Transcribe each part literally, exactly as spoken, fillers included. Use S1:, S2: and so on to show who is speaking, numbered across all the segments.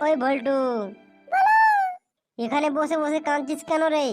S1: ওই ভল্টু, এখানে বসে বসে কাঁদছিস কেন রে?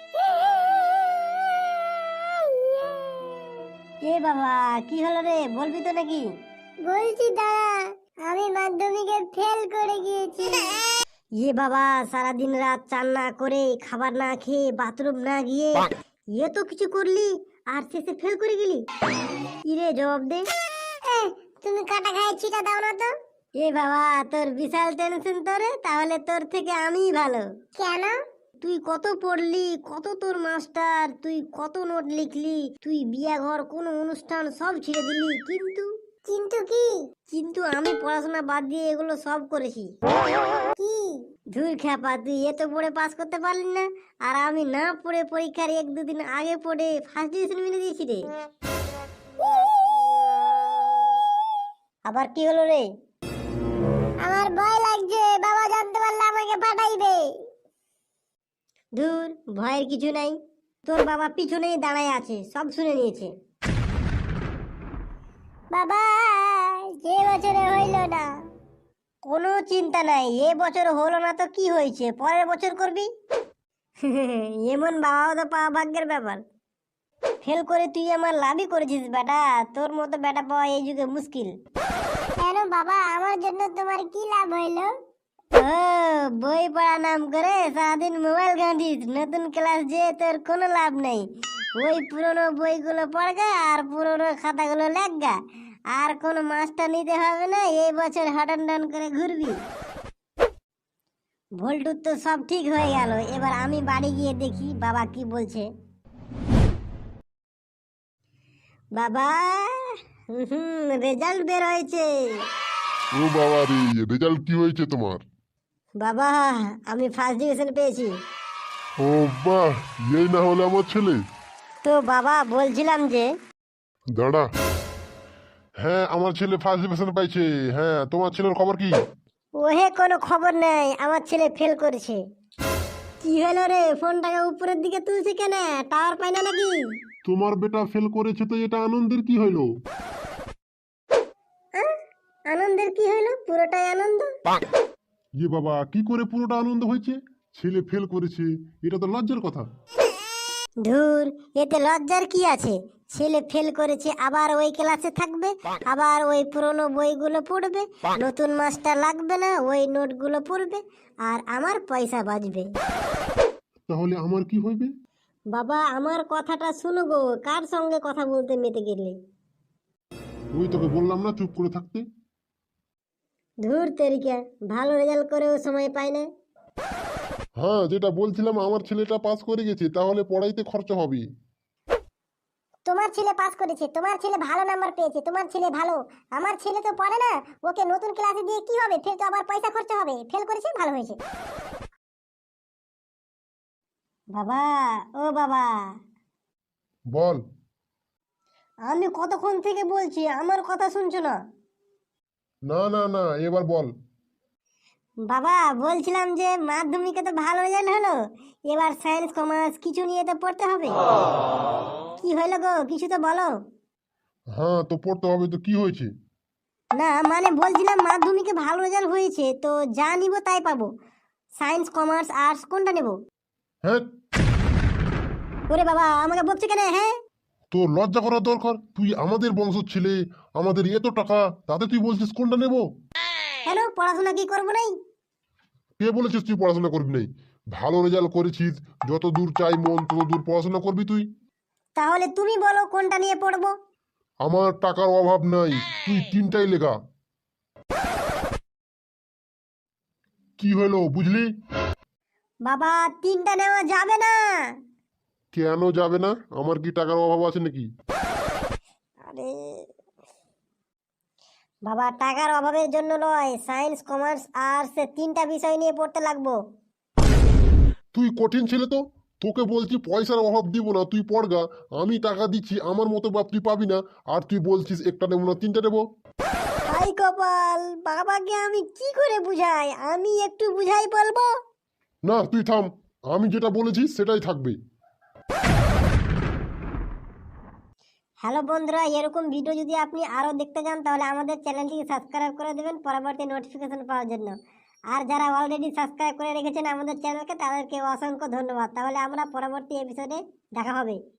S1: এ বাবা, কি হলো রে? বলবি তো নাকি?
S2: বলছি দাদা, আমি মাধ্যমিকে ফেল করে গিয়েছি।
S1: এ বাবা, সারাদিন রাত চান না করে, খাবার না খেয়ে, বাথরুম না গিয়ে এ তো কিছু করলি আর শেষে ফেল করে গেলি? কি রে, জবাব দে।
S2: এ, তুমি কাটা খায় ছিটা দাও না তো।
S1: এ বাবা, তোর বিশাল টেনশন তো রে। তাহলে তোর থেকে আমিই ভালো।
S2: কেন?
S1: তুই কত পড়লি, কত তোর মাস্টার, তুই কত নোট লিখলি, তুই বিয়া ঘর কোনো অনুষ্ঠান সব ছেড়ে দিলি, কিন্তু
S2: কিন্তু কি?
S1: কিন্তু আমি পড়াশোনা বাদ দিয়ে এগুলো সব করেছি।
S2: কি?
S1: ধুর খ্যাপা, তুই এত পড়ে পাস করতে পারলি না, আর আমি না পড়ে পরীক্ষার এক দুদিন আগে পড়ে ফার্স্ট ডিভিশন মিলে দিয়েছি রে। আবার কি হলো রে?
S2: আমার ভয় লাগছে, বাবা জানতে পারলে আমাকে পাঠাইবে।
S1: ধুর, ভয়ের কিছু নাই। তোর বাবা পিছনেই দাঁড়ায় আছে, সব শুনে নিয়েছে।
S2: বাবা, যে বছরে হইল না।
S1: কোনো চিন্তা নাই, এ বছর হলো না তো কি হয়েছে, পরের বছর করবি। এমন বাবাও তো পাওয়া ভাগ্যের ব্যাপার। ফেল করে তুই আমার লাভই করেছিস বেটা, তোর মতো বেটা পাওয়া এই যুগে মুশকিল।
S2: কেন বাবা, আমার জন্য তোমার কি লাভ হইল?
S1: ও, বই পড়া নাম করে সারাদিন মোবাইল ঘাঁটিস, নতুন ক্লাস যে তোর কোনো লাভ নেই। ওই পুরনো বইগুলো পড়গা আর পুরনো খাতাগুলো লেখগা, আর কোনো মাস্টার নিতে হবে না, এই বছর হটন ডন করে ঘুরবি। ভোল্টুর তো সব ঠিক হয়ে গেল, এবার আমি বাড়ি গিয়ে দেখি বাবা কি বলছে। বাবা, হুম, রেজাল্ট বের হয়েছে।
S3: ও বাবা রে, রেজাল্ট কি হয়েছে তোমার?
S1: বাবা, আমি ফার্স্ট ডিভিশন পেয়েছি।
S3: ও বাহ, এই না হলে আমার ছেলে।
S1: তো বাবা, বলছিলাম যে
S3: দাঁড়া। হ্যাঁ, আমার ছেলে ফার্স্ট ডিভিশন পাইছে। হ্যাঁ, তোমার ছেলের খবর কি?
S1: ওহে কোনো খবর নাই, আমার ছেলে ফেল করেছে। কি হলো রে, ফোনটাকে উপরের দিকে তুলছে কেন? টাওয়ার পাই না নাকি?
S3: তোমার বেটা ফেল করেছে তো এটা আনন্দের কি হইলো?
S1: আহ, আনন্দের কি হলো? পুরোটাই আনন্দ।
S3: ইয়ে বাবা, কি করে পুরোটা আনন্দ হয়েছে? ছেলে ফেল করেছে, এটা তো লজ্জার কথা।
S1: ধুর, এতে লজ্জার কি আছে? ছেলে ফেল করেছে, আবার ওই ক্লাসে থাকবে, আবার ওই পুরনো বইগুলো পড়বে, নতুন মাস্টার লাগবে না, ওই নোটগুলো পড়বে, আর আমার পয়সা বাঁচবে।
S3: তাহলে আমার কি হইবে?
S1: বাবা, আমার কথাটা শুনো গো, কার সঙ্গে কথা বলতে মেতে গেলে?
S3: ওই তোকে বললাম না চুপ করে থাকতে।
S1: ধুর তেরিকা, ভালো রেজাল্ট করেও সময় পায় না।
S3: হ্যাঁ, যেটা বলছিলাম, আমার ছেলেটা পাস করে গেছে, তাহলে পড়াইতে খরচা হবে।
S2: তোমার ছেলে পাস করেছে, তোমার ছেলে ভালো নাম্বার পেয়েছে, তোমার ছেলে ভালো। আমার ছেলে তো পড়ে না, ওকে নতুন ক্লাসে দিয়ে কি হবে? ফের তো আবার পয়সা খরচা হবে। ফেল করেছে, ভালো হয়েছে।
S1: বাবা, ও বাবা,
S3: বল।
S1: আমি কতক্ষণ থেকে বলছি, আমার কথা শুনছো না?
S3: না না না, এবার বল।
S1: বাবা, বলছিলাম যে মাধ্যমিকে তো ভালো রেজাল্ট হলো, এবার সায়েন্স কমার্স কিছু নিয়ে তো পড়তে হবে। কি হলো গো, কিছু তো বলো।
S3: হ্যাঁ, তো পড়তে হবে, তো কি হয়েছে?
S1: না মানে বলছিলাম মাধ্যমিকে ভালো রেজাল্ট হয়েছে, তো যা নিব তাই পাবো। সায়েন্স কমার্স আর্টস কোনটা নেব?
S3: হ্যাঁ,
S1: ওরে বাবা, আমাকে বকছে কেন? হ্যাঁ,
S3: তোর লজ্জা করা দরকার। তুই আমাদের বংশের ছেলে, আমাদের এত টাকা, তাতে তুই বলছিস কোনটা নেব?
S1: কেন, পড়াশোনা কি করবো নাই?
S3: কে বলেছিস তুই পড়াশোনা করবি নাই? ভালো রেজাল্ট করেছিস, যত দূর চাই মন তত দূর পড়াশোনা করবি তুই।
S1: তাহলে তুমি বলো কোনটা নিয়ে পড়বো।
S3: আমার টাকার অভাব নাই, তুই তিনটাই লেখা। কি হলো, বুঝলি?
S1: বাবা, তিনটা নেওয়া যাবে না।
S3: কেন যাবে না? আমার কি টাকার অভাব আছে নাকি?
S1: আরে বাবা, টাকার অভাবের জন্য নয়, সায়েন্স কমার্স আর্টস তিনটা বিষয় নিয়ে পড়তে লাগবো।
S3: তুই কঠিন ছেলে তো। তোকে বলছি পয়সার অভাব দিব না, তুই পড়গা। আমি টাকা দিচ্ছি, আমার মতো বাপ তুই পাবি না। আর তুই বলছিস একটা নেবো না তিনটা নেবো।
S1: হাই কপাল, বাবাকে আমি কি করে বুঝাই? আমি একটু বুঝাই বলবো।
S3: না, তুই থাম। আমি যেটা বলেছি সেটাই থাকবে।
S1: হ্যালো বন্ধুরা, এরকম ভিডিও যদি আপনি আরও দেখতে চান তাহলে আমাদের চ্যানেলটিকে সাবস্ক্রাইব করে দেবেন পরবর্তী নোটিফিকেশন পাওয়ার জন্য। আর যারা অলরেডি সাবস্ক্রাইব করে রেখেছেন আমাদের চ্যানেলকে তাদেরকে অসংখ্য ধন্যবাদ। তাহলে আমরা পরবর্তী এপিসোডে দেখা হবে।